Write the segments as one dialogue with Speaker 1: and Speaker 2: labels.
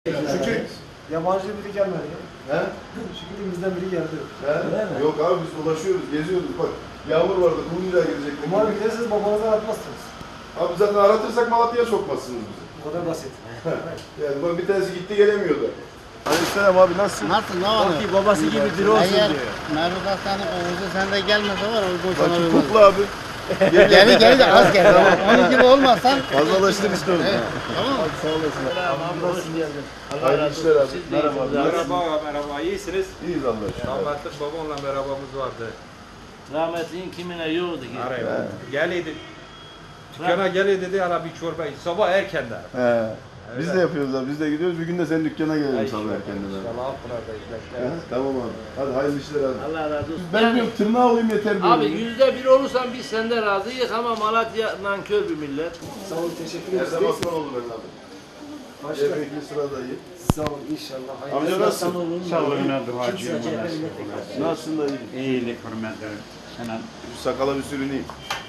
Speaker 1: Şükür yabancı biri gelmedi.
Speaker 2: He?
Speaker 1: Şükür bizden biri geldi.
Speaker 2: He? Yok abi biz dolaşıyoruz, geziyoruz. Bak yağmur vardı, Kumluca'ya gidecek.
Speaker 1: Umarım giderseniz babanızdan atmazsınız.
Speaker 2: Abi zaten aratırsak Malatya'ya sokmazsınız bizi.
Speaker 1: Bu kadar basit.
Speaker 2: Yani bak bir tanesi gitti gelemiyordu. Aleykümselam abi nasılsın?
Speaker 3: Nasıl, ne var?
Speaker 1: Ki babası gibi diri olsun
Speaker 3: Eğer
Speaker 1: diyor.
Speaker 3: Mevlüt Aslan'ın oğuzu sende gelmese var, uygun sana
Speaker 2: Bak
Speaker 3: uymaz.
Speaker 2: kukla abi.
Speaker 3: Geri de az gel. Onun gibi olmazsan.
Speaker 2: Fazlalaştın işte onu.
Speaker 3: Tamam mı?
Speaker 2: Sağ olasın.
Speaker 1: Abi hoş geldin.
Speaker 2: Hayırlı işler abi. Merhaba.
Speaker 4: Merhaba, iyisiniz.
Speaker 2: İyiyiz Allah'a şükür.
Speaker 4: Rahmetli babamla merhabamız vardı.
Speaker 5: Rahmetliğin kimine yoktu ki.
Speaker 4: Araya. Geliydi. Dükkana geliyor dedi, ara bir çorba iç. Sabah erkenden.
Speaker 2: He. Biz de yapıyoruz abi. Biz de gidiyoruz. Bir gün de senin dükkana gelelim sabah erkenden abi.
Speaker 4: İnşallah Akpınar'dayız.
Speaker 2: He? Tamam abi. Hadi hayırlı işler abi.
Speaker 5: Allah razı olsun.
Speaker 2: Ben diyorum tırnağı alayım yeter diyorum.
Speaker 5: Abi %1 olursan biz senden razıyız ama Malatya nankör bir millet.
Speaker 1: Sağ olun, teşekkür ederiz.
Speaker 2: Erdem Aslan oldu ben abi.
Speaker 1: Başka.
Speaker 2: Cebekli sıradayı.
Speaker 1: Sağ olun inşallah.
Speaker 2: Amca nasılsın?
Speaker 6: Sağlığına duacıyım.
Speaker 1: Kimse CHP'nin
Speaker 2: Nasılsın da iyi?
Speaker 6: İyilik, hürmetler. Sana
Speaker 2: Şu sakala bir sürüneyim.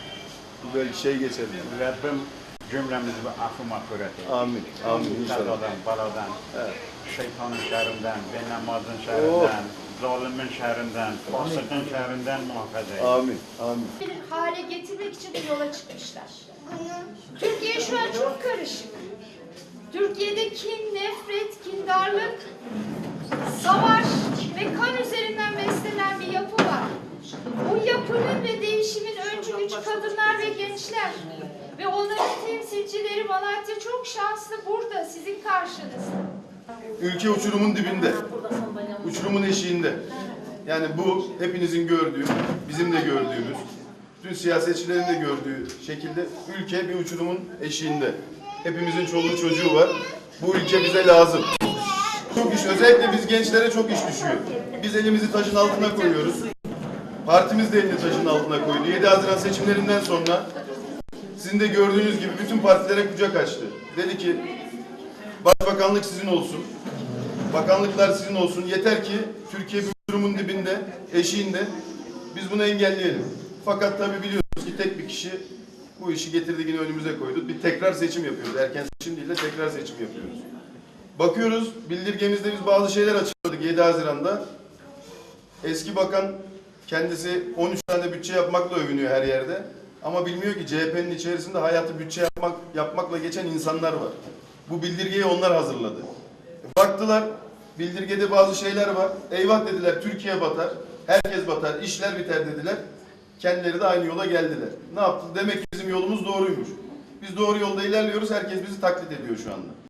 Speaker 2: Böyle şey geçelim.
Speaker 6: Rabbim cümlemizi affı mağfiret eylesin.
Speaker 2: Amin. Amin inşallah.
Speaker 6: Kazadan, baladan,
Speaker 2: Evet.
Speaker 6: şeytanın şerrinden, bennamazın şerrinden, zalimin şerrinden, fasıkın şerrinden muhafaza eylesin.
Speaker 2: Amin. Amin.
Speaker 7: bir hale getirmek için bir yola çıkmışlar. Türkiye şu an çok karışık. Türkiye'de kin, nefret, kindarlık, savaş ve kan üzerinden beslenen bir yapı var. Bu yapının ve değişimin öncü gücü kadınlar ve gençler. Ve onların temsilcileri Malatya çok şanslı burada, sizin karşınızda.
Speaker 2: Ülke uçurumun dibinde. Uçurumun eşiğinde. Yani bu hepinizin gördüğü, bizim de gördüğümüz, bütün siyasetçilerin de gördüğü şekilde ülke bir uçurumun eşiğinde. Hepimizin çoluğu çocuğu var. Bu ülke bize lazım. Çok iş, özellikle biz gençlere çok iş düşüyor. Biz elimizi taşın altına koyuyoruz. Partimiz de elini taşın altına koydu. 7 Haziran seçimlerinden sonra sizin de gördüğünüz gibi bütün partilere kucak açtı. Dedi ki başbakanlık sizin olsun. Bakanlıklar sizin olsun. Yeter ki Türkiye bir durumun dibinde, eşiğinde. Biz bunu engelleyelim. Fakat tabii biliyorsunuz ki tek bir kişi bu işi getirdi yine önümüze koydu. Bir tekrar seçim yapıyoruz. Erken seçim değil de tekrar seçim yapıyoruz. Bakıyoruz bildirgemizde biz bazı şeyler açıkladık 7 Haziran'da. Eski bakan kendisi 13 tane bütçe yapmakla övünüyor her yerde. Ama bilmiyor ki CHP'nin içerisinde hayatı bütçe yapmakla geçen insanlar var. Bu bildirgeyi onlar hazırladı. Baktılar, bildirgede bazı şeyler var. Eyvah dediler, Türkiye batar, herkes batar, işler biter dediler. Kendileri de aynı yola geldiler. Ne yaptı? Demek ki bizim yolumuz doğruymuş. Biz doğru yolda ilerliyoruz, herkes bizi taklit ediyor şu anda.